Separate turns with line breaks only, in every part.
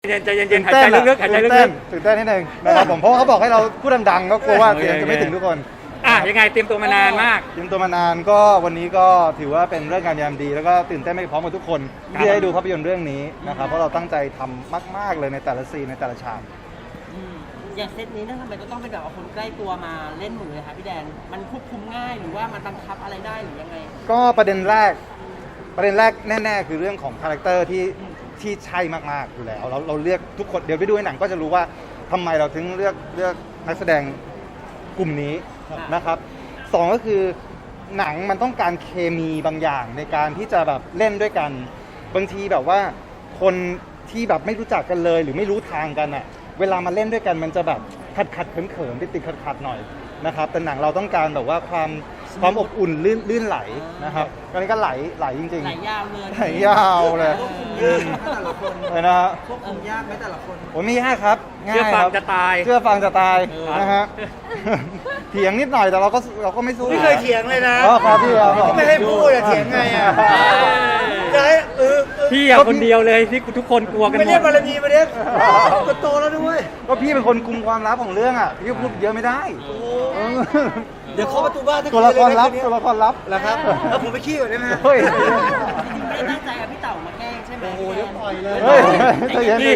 ใจเย็นๆหายใจลึกๆหายใจลึก
ตื่นเต้นนิดนึงนะครับผมเพราะว่าเขาบอกให้เราพูดดังๆก็กลัวว่าเสียงจะไม่ถึงทุกคน
ๆยังไงเตรียมตัวมานานมาก
เตรียมตัวมานานก็วันนี้ก็ถือว่าเป็นเรื่องงานยามดีแล้วก็ตื่นเต้นไม่พร้อมกับทุกคนที่ได้ดูภาพยนตร์เรื่องนี้นะครับเพราะเราตั้งใจทำมากๆเลยในแต่ละซีนในแต่ละฉาก
อย่างเซตนี้ทำไมก็ต้องเป็นแบบเอาคนใกล้ตัวมาเล่นหมดเลยคะพี่แดนมันควบคุมง่ายหรือว่ามันบังคับอะไรได้หรือยังไง
ก็ประเด็นแรกแน่ๆคือเรื่องของคาแรคเตอร์ที่ใช่มากๆอยู่แล้วเราเลือกทุกคนเดี๋ยวไปดูในหนังก็จะรู้ว่าทำไมเราถึงเลือกนักแสดงกลุ่มนี้นะครับสองก็คือหนังมันต้องการเคมีบางอย่างในการที่จะแบบเล่นด้วยกันบางทีแบบว่าคนที่แบบไม่รู้จักกันเลยหรือไม่รู้ทางกันอ่ะเวลามาเล่นด้วยกันมันจะแบบขัดเขินติดขัดหน่อยนะครับแต่หนังเราต้องการแบบว่าความอบอุ่นลื่นไหลนะครับตอนนี้ก็ไหลจริงๆ
ไหลยาวเลย
ไหลยาวเลย
แต่ละคน
เลยนะ
ควบคุมยากไหมแต่ละคน
โอ้ไม่ยากครับง่ายครับเชื่อฟังจะตายนะฮะเถียงนิดหน่อยแต่เราก็ไม่สู้
ไม่เคยเถียงเลยนะ
ครับพี่ครับ
ไม่ให้พูดอะเถียงไงอะ
พี่คนเดียวเลยที่ทุกคนกลัวกันหมด
ไม่เรียกบารมีมาเรียกก็โตแล้วด้วย
ก็พี่เป็นคนคุมความลับของเรื่องอ่ะพี่พูดเยอะไม่ได้
เดี๋ยวเคาะประตูบ้าน
ตัวละครลับ
แล้วครับแล้วผมไปขี้ก่อนได้ไหม
เฮ้ย
ไม่ตั้งใจเอาพี่เต่ามาแกล้งใช่ไหม
โอ้โหเดี๋ยวปล่อยเลย
เฮ้ยใจเย็นพี่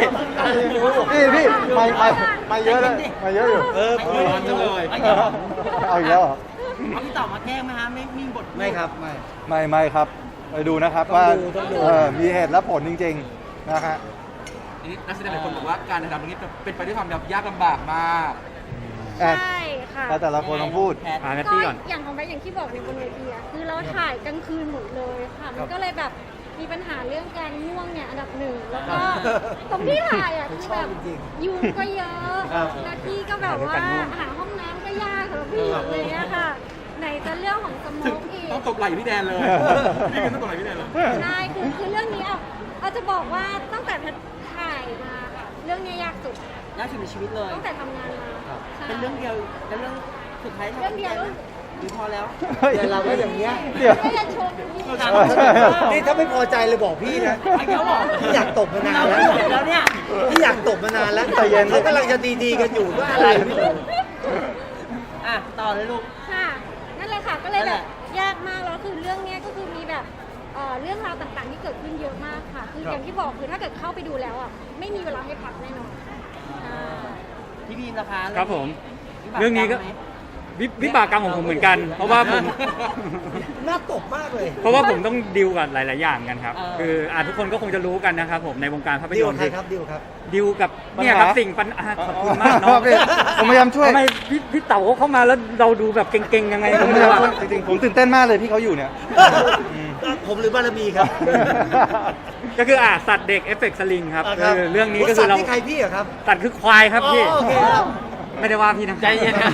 ไม่เยอะเลยไม่เยอะอยู่
ร้อนจังเลย
เอาอีกแล้วเหรอ
เอาพี่เต่ามาแกล้งไหมฮะไม่มีบท
ไม่ครับ
ไม่ครับไปดูนะครับว่ามีเหตุและผลจริงๆนะฮะ
นักแสดงหลายคนบอกว่าการถ่ายทำตรงนี้เป็นไปด้วยความยากลำบากมาก
ใช่ค่ะ
แต่ละคนต้องพูด
ก็อย่างของแบงค์อย่างที่บอกในบนเวทีอะคือเราถ่ายกลางคืนหมดเลยค่ะมันก็เลยแบบมีปัญหาเรื่องการง่วงเนี่ยอันดับหนึ่งแล้วก็ตรงที่ถ่ายอ่ะคือแบบยุงก็เยอะหน้าที่ก็แบบว่าหาห้องน้ำก็ยากสำหรับพี่เลยเนี่ยค่ะไหนจะเรื่องของสโมกอีก
ต้องตบไหล่พี่แดนเลยนี่ก็ต้องตบไหล่พี่แดนเลย
ใช่คือเรื่องนี้เอาจะบอกว่าตั้งแต่ถ่ายมาค่ะเรื่องนี้ยากสุด
ในชีวิตเลย
ตั้งแต่ทำงานมา
เป็นเรื่องเดียวแล้วเรื่องสุดท้าย
เรื่องเดียว
หรือพอแล้ว
แต่เราก็อย่างเงี้ย
ไม่จะชม
นี่ถ้าไม่พอใจเลยบอกพี่นะพี่อยากตบมานาน
แล้วเนี่ย
พี่อยากตบมานานแล้วเขากำลังจะดีกันอยู่ก็อะไรไม่รู้
ต่อเลยลูก
ค่ะนั่นเลยค่ะก็เลยแบบยากมากแล้วคือเรื่องนี้ก็คือมีแบบเรื่องราวต่างๆที่เกิดขึ้นเยอะมากค่ะคืออย่างที่บอกคือถ้าเกิดเข้าไปดูแล้วอ่ะไม่มีเวลาให้พักแน่นอน
พี่บีมนะคะ
ครับผมเรื่องนี้ก็วิบากกรรมของผมเหมือนกันเพราะว่าผม
น่าตบมากเลย
เพราะว่าผมต้องดิวกับหลายๆอย่างกันครับคือทุกคนก็คงจะรู้กันนะครับผมในวงการภาพยนตร์ดิวกับเนี่ยครับสิ่งปัญหาขอบคุณมากเนาะ
ผมพยายามช่วย
ทำไมพี่เต๋าเข้ามาแล้วเราดูแบบเก่งๆยังไง
จริงๆผมตื่นเต้นมากเลยที่เขาอยู่เนี่ย
ผมหรือบารมีครับ
ก็คือสัตว์เด็กเอฟเฟกต์สลิงครับเรื่องนี้ก็คือเรา
ใครพี่อะครับ
สัตว์คือควายครับพี่ไม่ได้ว่าพี่นะ
ใจเย็นนะ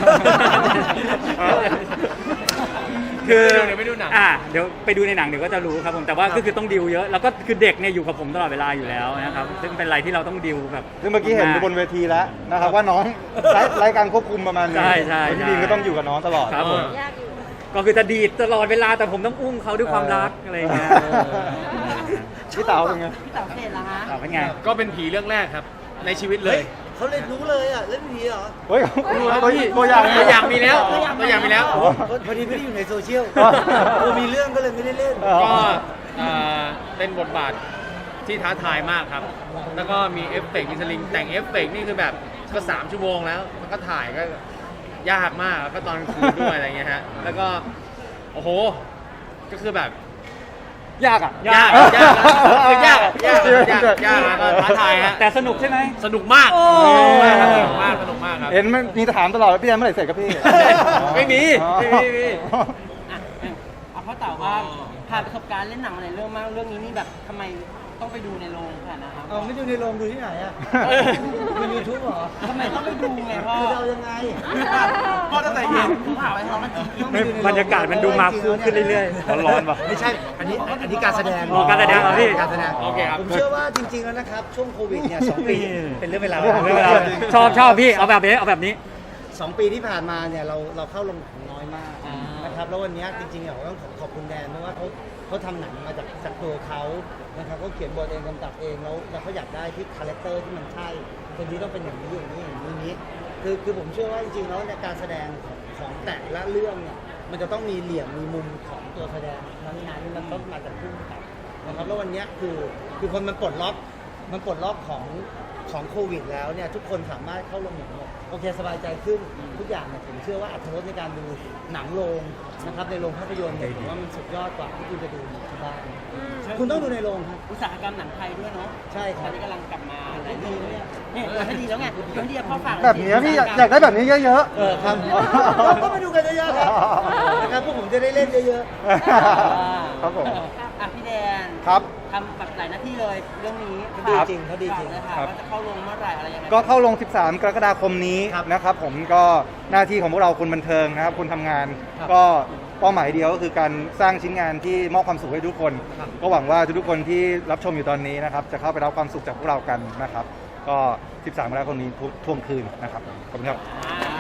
คือเดี๋ยวไปดูหนังเดี๋ยวไปดูในหนังเดี๋ยวก็จะรู้ครับผมแต่ว่าก็คือต้องดิวเยอะแล้วก็คือเด็กเนี่ยอยู่กับผมตลอดเวลาอยู่แล้วนะครับซึ่งเป็นอะไรที่เราต้องดิวแบบ
ซึ่งเมื่อกี้เห็นบนเวทีแล้วนะครับว่าน้องไร้การควบคุมประมาณนี้
ใช่
พี่บีมก็ต้องอยู่กับน้องตลอด
ครับผมก็คือจะดีดตลอดเวลาแต่ผมต้องอุ้มเขาด้วยความรักอะไรเงี้ย
พี่เต๋าเป็นไง
พี่เต๋าเสร็จแล้วฮะ
เป็นไง
ก็เป็นผีเรื่องแรกครับในชีวิตเลย
เขาเลยรู้เลยอ่ะเล่นผีเหรอ
เฮ้ย
ตัวอย่างมีแล้ว
พอดีไม่ได้อยู่ในโซเชียลมีเรื่องก็เลยไม่ได้เล่น
ก็เป็นบทบาทที่ท้าทายมากครับแล้วก็มีเอฟเฟกต์มีสลิงแต่งเอฟเฟกต์นี่คือแบบก็3 ชั่วโมงแล้วก็ถ่ายก็ยากมากแล้วก็ตอนคืนด้วยอะไรเงี้ยฮะแล้วก็โอ้โหก็คือแบบ
ยาก
ก็ท้าทายฮะ
แต่สนุกใช่ไหม
สนุกมากสนุกมากครับ
เห็นมันมีถามตลอดพี่แดนเมื่อไหร่เสร็จครับพี่
ไม่มี
เอาพ่อเต่าว่าผ่านประสบการณ์เล่นหนังมาหลายเรื่องมากเรื่องนี้นี่แบบทำไมต้องไปดูในโรงขนาดนั้นครับ
ไม่ดูในโรงดูที่ไหนอ่ะดูยูทูบเหรอ
ทำไมต้องไปดูไงพ่อ
เรายังไง
พ่อตั้งแต่เย็น
ถามไปท้องมัน
บรรยากาศมันดูมาคุ้มขึ้นเรื่อย
ๆร้อนป่ะ
ไม่ใช่อันนี้การแสดง
การแสดงเหรอพี่
การแสดง
โอเคครับ
ผมเชื่อว่าจริงๆแล้วนะครับช่วงโควิดเนี่ย2 ปีเป็นเรื่องเวลา
ชอบพี่เอาแบบนี้
2 ปีที่ผ่านมาเนี่ยเราเข้าลงน้อยมากนะครับนะครับแล้ววันนี้จริงๆเราต้องขอบคุณแดนเพราะว่าเขาทำหนังมาจากตัวเขานะครับเขาเขียนบทเองกำกับเองแล้วเขาอยากได้ที่คาแรคเตอร์ที่มันใช่คนนี้ต้องเป็นอย่างนี้อย่างนี้อย่างนี้คือผมเชื่อว่าจริงๆแล้วในการแสดงของแต่ละเรื่องเนี่ยมันจะต้องมีเหลี่ยมมีมุมของตัวแสดงนั้นๆมันต้องมาจากผู้กำกับนะครับแล้ววันนี้คือคนมันปลดล็อกของโควิดแล้วเนี่ยทุกคนสามารถเข้าโรงหนังโอเคสบายใจขึ้นทุกอย่างเนี่ยผมเชื่อว่าอรรถรสในการดูหนังโรงนะครับในโรงภาพยนตร์เนี่ยผมว่ามันสุดยอดกว่าที่คุณจะดูที่บ้านคุณต้องดูในโรงครับ
อุตสาหกรรมหนังไทยด้วยเนาะ
ใช่ค
ต
รั
อบ นนี้กำลังกลับมาหลายดีเนี่ยให้ดีแล้วไงให้ดีพ่อฝาก
แบบนี้พี่อยากได้แบบนี้เยอะ
ครับก็มาดูกันเยอะๆครับนะครับพวกผมจะได้เล่นเยอะ
ๆ ครับผม
อ่ะพี่แดน
ครับ
ทำแบบหลายหน้าที่เลยเรื่องนี้
เขาดีจริงเขาดีจริง
ฝากเลยค่ะ
ครับ
ว่าจะเข้าลงเมื่อไหร่อะไรยังไง
ก็เข้าลง 13 กรกฎาคมนี้นะครับผมก็หน้าที่ของพวกเราคนบันเทิงนะครับคนทำงาน ก็เป้าหมายเดียวก็คือการสร้างชิ้นงานที่มอบความสุขให้ทุกคน ก็หวังว่าทุกๆคนที่รับชมอยู่ตอนนี้นะครับจะเข้าไปรับความสุขจากพวกเรากันนะครับ ก็ 13 กรกฎาคมนี้ทุ่วงคืนนะครับขอบคุณครับ
อ่า